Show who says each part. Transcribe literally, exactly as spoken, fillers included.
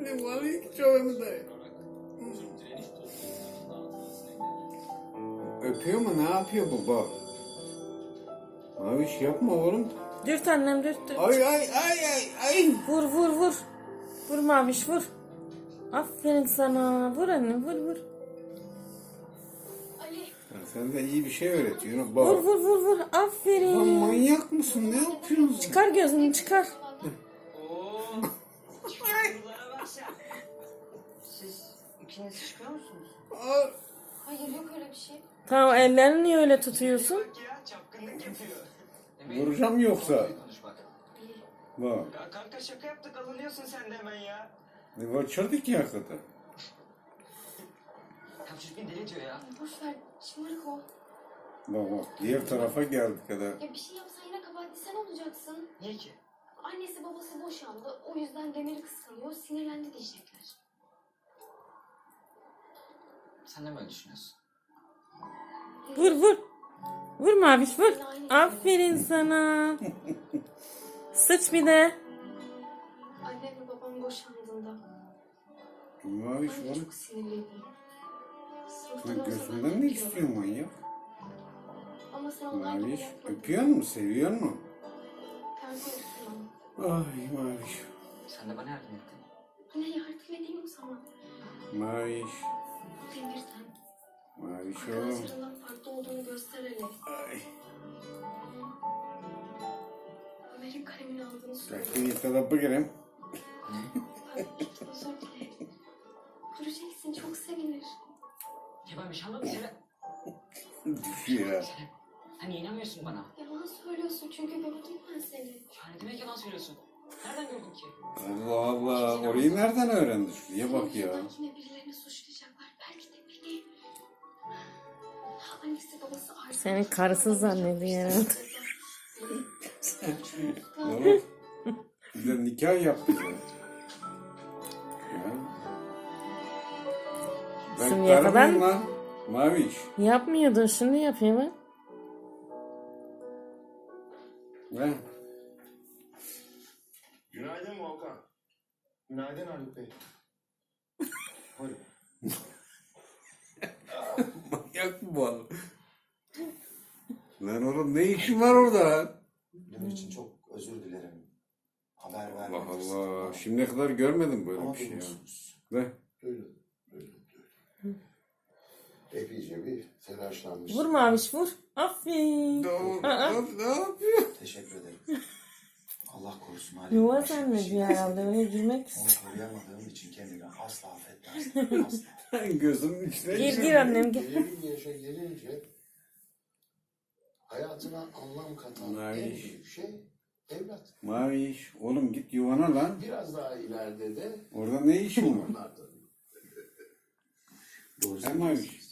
Speaker 1: Maviş çok da. Öpüyor mu? Ne yapıyor baba? Maviş yapma oğlum.
Speaker 2: Dürt annem dürt dürt.
Speaker 1: Ay ay ay ay ay.
Speaker 2: Vur vur vur. Vur Maviş vur. Aferin sana. Vur annem vur vur.
Speaker 1: Ya sen de iyi bir şey öğretiyorsun. Bak.
Speaker 2: Vur vur vur vur.
Speaker 1: Lan
Speaker 2: Aferin.
Speaker 1: manyak mısın? Ne yapıyorsun?
Speaker 2: Çıkar gözünü çıkar.
Speaker 3: Siz ikiniz çıkıyor musunuz?
Speaker 1: Aa,
Speaker 4: Hayır yok öyle bir şey.
Speaker 2: Tamam ellerini niye öyle tutuyorsun?
Speaker 3: Ya çapkınlık yapıyor.
Speaker 1: vuracağım yoksa.
Speaker 3: Konuş bak.
Speaker 1: Bak.
Speaker 3: Ya kanka şaka yaptık alınıyorsun sen de hemen ya.
Speaker 1: Ne kaçırdık ya hakikaten.
Speaker 3: Ya çocuk beni deli diyor ya.
Speaker 4: Boş ver. Şımarık o.
Speaker 1: Bak bak. Diğer tarafa geldik kadar.
Speaker 4: Ya bir şey yapsan yine kabahatli sen olacaksın.
Speaker 3: Niye ki?
Speaker 4: Annesi babası boşandı. O yüzden Demir'i kıskanıyor. Sinirlendi diyecekler.
Speaker 3: Sen de mi öyle düşünüyorsun?
Speaker 2: Vur vur. Vur Maviş vur. Aferin sana. Sıç bir de.
Speaker 4: Annem ve babam boşandığında.
Speaker 1: Maviş
Speaker 4: Ben de
Speaker 1: oğlum.
Speaker 4: çok sinirliydim. Sınıftan
Speaker 1: Sen
Speaker 4: olsa
Speaker 1: gözünden
Speaker 4: ben
Speaker 1: ne
Speaker 4: de
Speaker 1: istiyorsun manyak?
Speaker 4: Ama sen onlar gibi
Speaker 1: Maviş.
Speaker 4: yapmadın.
Speaker 1: Öpüyor musun? Seviyor musun?
Speaker 4: Terbiye ama.
Speaker 1: Ay Maviş.
Speaker 3: Sen de bana yardım ettin.
Speaker 4: Yine yardım edeyim o zaman.
Speaker 1: Maviş.
Speaker 4: Demir'den.
Speaker 1: Maviş oğlum.
Speaker 4: Arkadaşlarından farklı olduğunu göster hele.
Speaker 1: Ay.
Speaker 4: Ömer'in kalemini aldığını söyle.
Speaker 1: Kalkın yıkada bakırım.
Speaker 4: Pardon, özür dilerim. Göreceksin, çok sevinir.
Speaker 3: Ya ben bir şey anlamadım Selen.
Speaker 1: Düşüyor ya.
Speaker 3: Selen sen niye inanmıyorsun bana?
Speaker 4: Yalan söylüyorsun çünkü gördüm ben seni.
Speaker 3: Ya ne demek yalan söylüyorsun? Nereden gördün ki?
Speaker 1: Allah Allah. Orayı nereden öğrendi? Şuraya bak ya.
Speaker 4: Senin yüzünden yine birilerini suçlayacaklar. Belki de beni. Annesi babası artık...
Speaker 2: Senin karısı zannediyor herhalde.
Speaker 1: Oğlum. Bir de nikah yaptı ya. Ya. Ben
Speaker 2: Şimdiye kadar-
Speaker 1: karımım lan. Maviş.
Speaker 2: Yapmıyordun şimdi yapıyor bak.
Speaker 1: Ne?
Speaker 5: Günaydın Volkan. Günaydın Haluk Bey. Buyurun.
Speaker 1: Manyak mı bu adam? Lan oğlum ne işin var orada?
Speaker 5: Dün için çok özür dilerim. Haber
Speaker 1: Allah
Speaker 5: vermek
Speaker 1: Allah.
Speaker 5: istedim ama-
Speaker 1: Şimdiye kadar görmedim böyle
Speaker 5: Ama
Speaker 1: bir şey ya.
Speaker 5: duymuşsunuz.
Speaker 1: Ne?
Speaker 5: Duydum, duydum, duydum. Epeyce bir telaşlanmışsın.
Speaker 2: Vur Maviş vur. Aferin.
Speaker 1: Ne,
Speaker 2: Aa.
Speaker 1: ne yapıyor?
Speaker 5: Teşekkür ederim. Allah korusun Haluk.
Speaker 2: Yuva
Speaker 5: Başka bir
Speaker 2: zannediyor
Speaker 5: şey.
Speaker 2: herhalde öyle girmek.
Speaker 5: Onu koruyamadığım için kendimi asla affetmezdim. Asla.
Speaker 1: Gözümün içine
Speaker 2: Gir
Speaker 1: girdi.
Speaker 2: gir annem gir.
Speaker 5: Belirli bir yaşa gelince hayatına anlam katan en
Speaker 1: Maviş.
Speaker 5: büyük şey evlat.
Speaker 1: Maviş. Oğlum git yuvana lan.
Speaker 5: Biraz daha ileride de
Speaker 1: Orada ne işin var?
Speaker 5: onlar tabii. Doğru
Speaker 1: Sen Maviş.